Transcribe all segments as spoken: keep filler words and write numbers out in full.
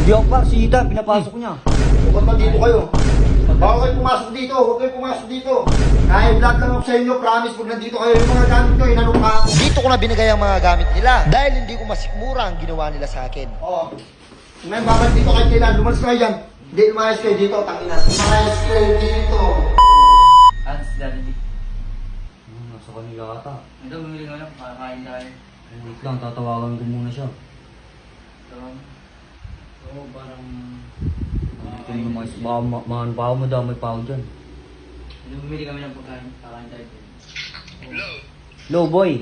Hindi ako par, si Ethan, pinapasok niya. O ba't nandito kayo? Baka kayo pumasok dito, huwag kayo pumasok dito. Kahit vlog lang ako sa inyo, promise, pag nandito kayo, yung mga gamit nyo, inanong ka ako. Dito ko na binigay ang mga gamit nila dahil hindi ko masikmura ang ginawa nila sa akin. Oo. Ngayon, babalik dito kayo kailan, lumalas kayo dyan. Hindi, lumayas kayo dito, tangina. Lumayas kayo dito. Ano si Daddy G? Hmm, nasa kanila ata. Ito, bumili ko lang, kakain tayo. Wait lang, tatawagan ko muna siya. So, oo, parang... Ito yung mga baka ma- mahan pa ako, madamay pa ako dyan. Ito, bumili kami ng pagkain, kakain tayo. Hello, boy.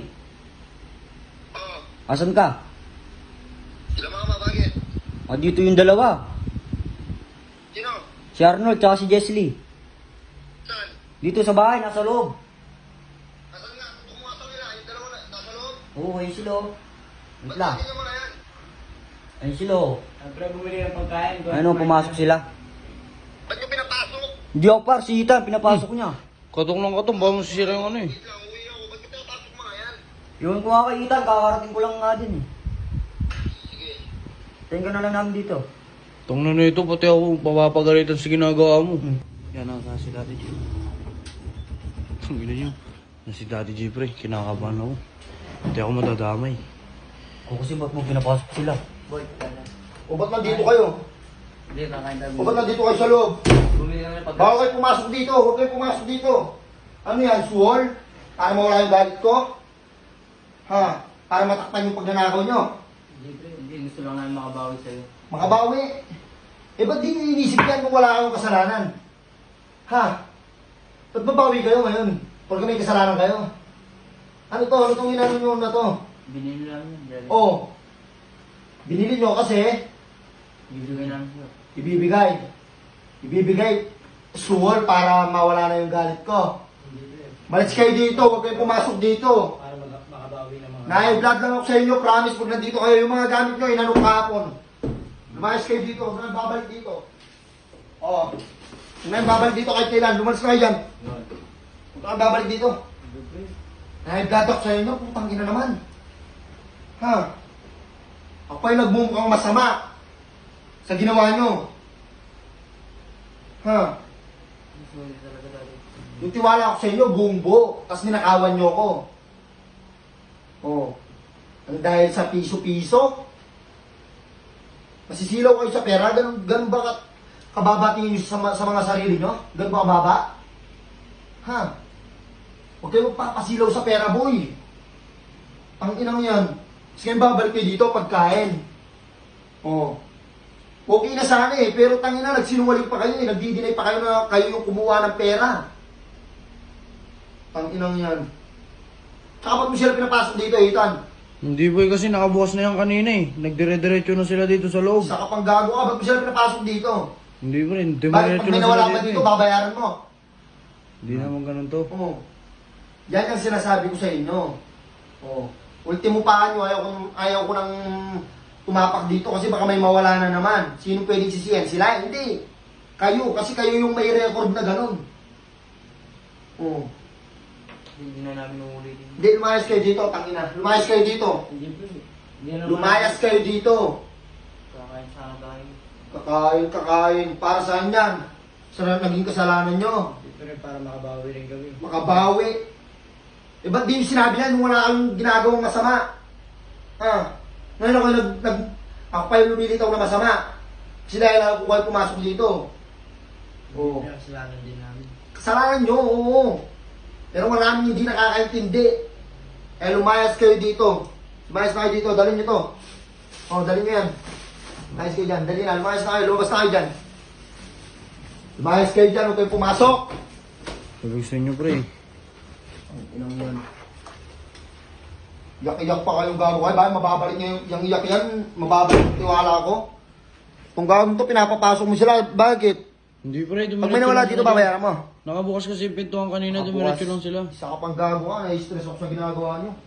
Oo. Asan ka? Sila mga bakit? Ah, dito yung dalawa. Sino? Si Arnold, tsaka si Jesly. Saan? Dito sa bahay, nasa loob. Nasaan nga? Kumuha sa nila, yung dalawa na, nasa loob. Oo, ayun sila. oh. Wait lang. mo na yan? Ayun sila. oh. Siyempre, bumili ng pagkain. Ano, pumasok sila. Ba't nyo pinapasok? Hindi ako par, si Ethan, pinapasok niya. Katok lang katok, baka masisira yung ano eh. Wait lang, uwi ako. Ba't nyo pinapasok mga yan? Yun ko nga kay Ethan, kakarating ko lang nga din eh. Sige. Tingnan na lang namin dito. Tong na nito, pati ako papapagalitan sa ginagawa mo. Yan ang si Daddy G. Ang ina nyo. Na si Daddy G pre, kinakabahan ako. Hindi ako madadamay. O kasi ba't mo pinapasok sila? Boy, tala. O ba't nandito kayo? Hindi, kakain tayo. O ba't nandito kayo sa loob? Bumili kami ng Baka pagkain. kayo pumasok dito, huwag kayo pumasok dito. Ano yan, suwol? Para mawala yung galit ko? Ha? Para matakpan yung pagnanakaw nyo? Hindi, pre, hindi. Gusto lang namin makabawi sa'yo. Makabawi. Eh, ba't di nyo inisip yan kung wala kayong kasalanan? Ha? Ba't babawi kayo ngayon? Porque may kasalanan kayo? Ano to? Ano tong inano nyo na to? Binili lang yun, Daddy. Oh. Binili nyo kasi Bibigay namin sa'yo. ibibigay. Ibibigay. Suwol para mawala na yung galit ko. Hindi, pre. Malis kayo dito, huwag kayo pumasok dito. Para mag makabawi ng mga... Na-vlog lang ako sa inyo, promise, pag nandito kayo, yung mga gamit nyo, inanong kahapon. Lumayas kayo dito, huwag na babalik dito. Oo. Ngayon, babalik dito kahit kailan, lumalas kayo dyan. Yun. Huwag na babalik dito. Hindi, pre. Na-vlog ako sa inyo, putang ina naman. Ha? Ako ay nagmumukhang masama sa ginawa nyo. Ha? Sorry talaga, Daddy. Yung tiwala ko sa inyo, buong buo, tapos ninakawan nyo ko. Oh. Ang dahil sa piso-piso, masisilaw kayo sa pera, ganun, ganun ba ka- kababa tingin nyo sa, ma- sa mga sarili nyo? Ganun ba kababa? Ha? Huwag kayo magpapasilaw sa pera, boy. Ang inang yan. Kasi ngayon babalik kayo dito, pagkain. Oh. Okay na sana eh, pero tangina, nagsinungaling pa kayo eh, nagdi-deny pa kayo na kayo yung kumuha ng pera. Tanginang yan. Tsaka ba't mo sila pinapasok dito, Ethan? Hindi boy, kasi nakabukas na yan kanina eh. Nagdire-diretso na sila dito sa loob. Sa kapang gago ka, ba't mo sila pinapasok dito? Hindi bro, Bakit dumiretso pag may na nawala sila pa dito dito, eh. babayaran mo? Hindi naman ganun to. Oo. Yan ang sinasabi ko sa inyo. Oo. Ultimo pa nyo, ayaw ko, ayaw ko nang tumapak dito kasi baka may mawala na naman. Sino pwedeng sisiyan? Sila? Hindi. Kayo, kasi kayo yung may record na ganun. Oo. Hindi na namin uulitin. Hindi, lumayas kayo dito, tangina. Lumayas kayo dito. Hindi, pre. Hindi na naman. Lumayas kayo dito. Kakain sana tayo. Kakain, kakain. Para saan yan? Sa naging kasalanan nyo. Pre, para makabawi rin kami. Makabawi. Eh, ba't di yung sinabi yan nung wala kang ginagawang masama? Ah, ngayon ako nag, nag ako pa yung lumilitaw na masama. Kasi dahil ako kayo pumasok dito. Oo. Pero kasalanan din namin. Kasalanan nyo, oo. Pero maraming hindi nakakaintindi. Eh, lumayas kayo dito. Lumayas na kayo dito, dalhin nyo to. Oh, dalhin nyo yan. Lumayas kayo dyan, dalhin na. Lumayas na kayo, lumabas na kayo dyan. Lumayas kayo dyan, huwag kayo pumasok. Sabi ko sa inyo pre. Ang inang yan. Iyak-iyak pa kayong gago kayo. Bakit mababalik niya yung, yung iyak yan? Mababalik yung tiwala ko. Kung gagawin to, pinapapasok mo sila. Bakit? Hindi pre, dumiretso Pag may nawala lang dito, sila. babayaran mo. Nakabukas kasi yung pintuan kanina, Nakabukas. dumiretso lang sila. Isa ka pang gago ka. Nai-stress ako sa ginagawa niyo.